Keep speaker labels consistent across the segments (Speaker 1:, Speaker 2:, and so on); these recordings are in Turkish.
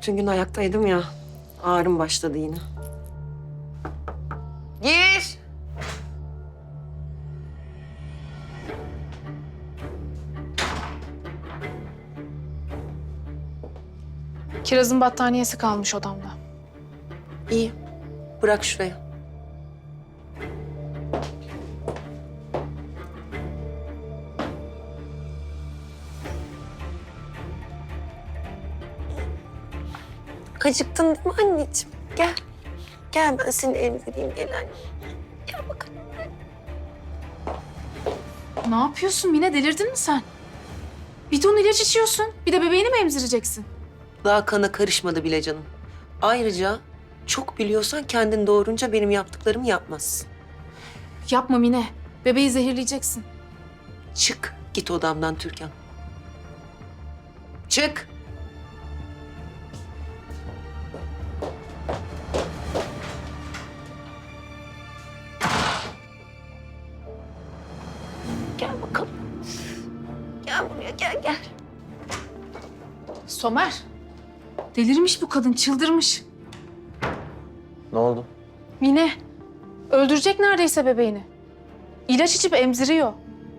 Speaker 1: bütün gün ayaktaydım ya. Ağrım başladı yine. Gir.
Speaker 2: Kiraz'ın battaniyesi kalmış odamda.
Speaker 1: İyi. Bırak şuraya. Acıktın değil mi anneciğim? Gel. Gel ben seni emzireyim gel anne. Gel bakalım.
Speaker 2: Ne yapıyorsun Mine? Delirdin mi sen? Bir ton ilaç içiyorsun. Bir de bebeğini mi emzireceksin?
Speaker 1: Daha kana karışmadı bile canım. Ayrıca çok biliyorsan kendin doğurunca benim yaptıklarımı yapmazsın.
Speaker 2: Yapma Mine. Bebeği zehirleyeceksin.
Speaker 1: Çık git odamdan Türkan. Çık. Gel bakalım. Gel buraya gel.
Speaker 2: Somer. Delirmiş bu kadın. Çıldırmış.
Speaker 3: Ne oldu?
Speaker 2: Mine. Öldürecek neredeyse bebeğini. İlaç içip emziriyor.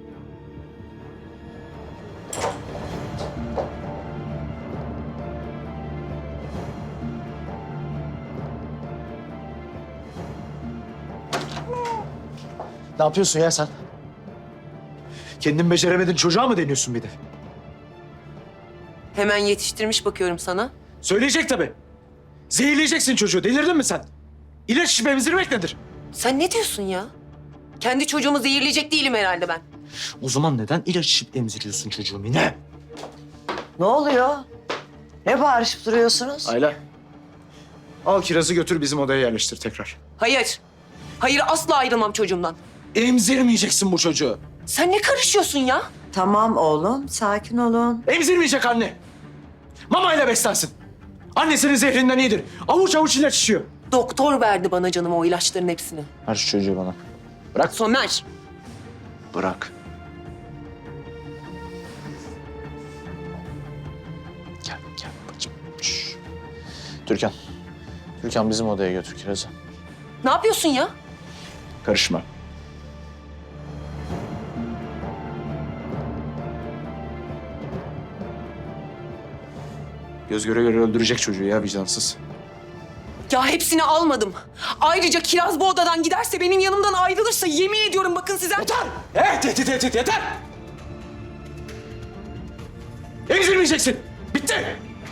Speaker 3: Ne yapıyorsun ya sen? Kendin beceremedin, çocuğa mı deniyorsun bir de?
Speaker 1: Hemen yetiştirmiş bakıyorum sana.
Speaker 3: Söyleyecek tabii. Zehirleyeceksin çocuğu. Delirdin mi sen? İlaç içip emzirmek nedir?
Speaker 1: Sen ne diyorsun ya? Kendi çocuğumu zehirleyecek değilim herhalde ben.
Speaker 3: O zaman neden ilaç içip emziriyorsun çocuğu Mine?
Speaker 4: Ne oluyor? Ne bağırışıp duruyorsunuz?
Speaker 3: Ayla. Al kirazı götür bizim odaya yerleştir tekrar.
Speaker 1: Hayır. Hayır asla ayrılmam çocuğumdan.
Speaker 3: Emzirmeyeceksin bu çocuğu.
Speaker 1: Sen ne karışıyorsun ya?
Speaker 4: Tamam oğlum, sakin olun.
Speaker 3: Emzirmeyecek anne. Mamayla beslensin. Annesinin zehrinden iyidir. Avuç avuç ilaç içiyor.
Speaker 1: Doktor verdi bana canım o ilaçların hepsini.
Speaker 3: Ver şu çocuğu bana. Bırak.
Speaker 1: Somer.
Speaker 3: Bırak. Gel bacım. Şş. Türkan. Türkan bizim odaya götür kirazı.
Speaker 1: Ne yapıyorsun ya?
Speaker 3: Karışma. Göz göre göre öldürecek çocuğu ya vicdansız.
Speaker 1: Ya hepsini almadım. Ayrıca Kiraz bu odadan giderse benim yanımdan ayrılırsa yemin ediyorum bakın size...
Speaker 3: Yeter! Evet, yeter! Emzirmeyeceksin. Bitti.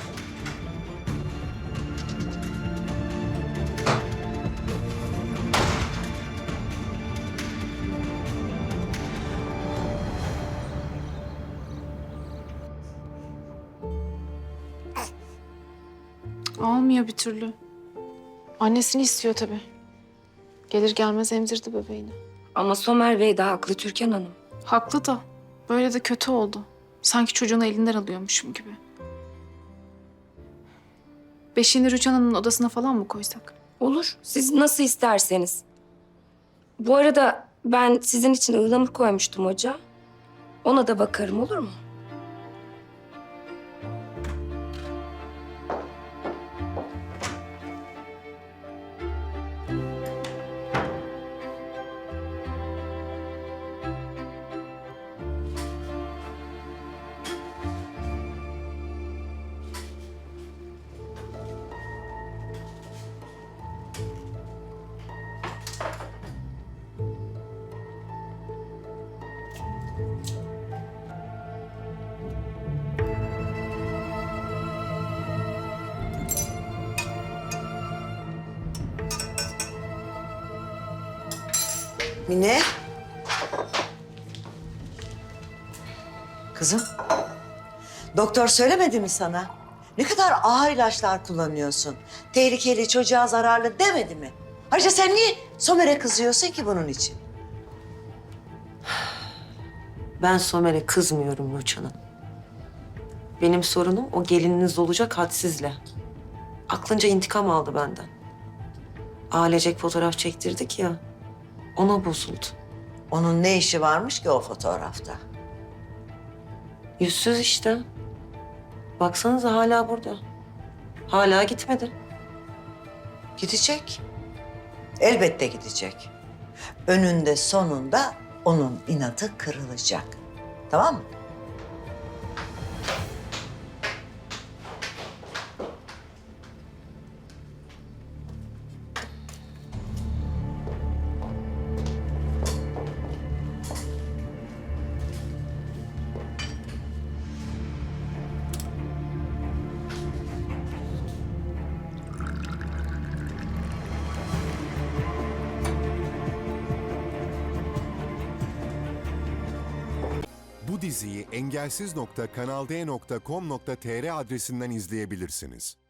Speaker 2: Almıyor bir türlü. Annesini istiyor tabii. Gelir gelmez emzirdi bebeğini.
Speaker 5: Ama Somer Bey de haklı Türkan Hanım.
Speaker 2: Haklı da. Böyle de kötü oldu. Sanki çocuğunu elinden alıyormuşum gibi. Beşiğini Rüçhan Hanım'ın odasına falan mı koysak?
Speaker 5: Olur, siz nasıl isterseniz. Bu arada ben sizin için ıhlamur koymuştum hoca. Ona da bakarım olur mu?
Speaker 4: Mine. Kızım. Doktor söylemedi mi sana? Ne kadar ağır ilaçlar kullanıyorsun. Tehlikeli, çocuğa zararlı demedi mi? Ayrıca sen niye Somer'e kızıyorsun ki bunun için?
Speaker 1: Ben Somer'e kızmıyorum Rüçhan Hanım. Benim sorunum o gelininiz olacak hadsizle. Aklınca intikam aldı benden. Ailecek fotoğraf çektirdik ya. Ona bozuldu.
Speaker 4: Onun ne işi varmış ki o fotoğrafta?
Speaker 1: Yüzsüz işte. Baksanıza hala burada. Hala gitmedi.
Speaker 4: Gidecek. Elbette gidecek. Önünde sonunda onun inadı kırılacak. Tamam mı?
Speaker 6: Bu diziyi engelsiz.kanalde.com.tr adresinden izleyebilirsiniz.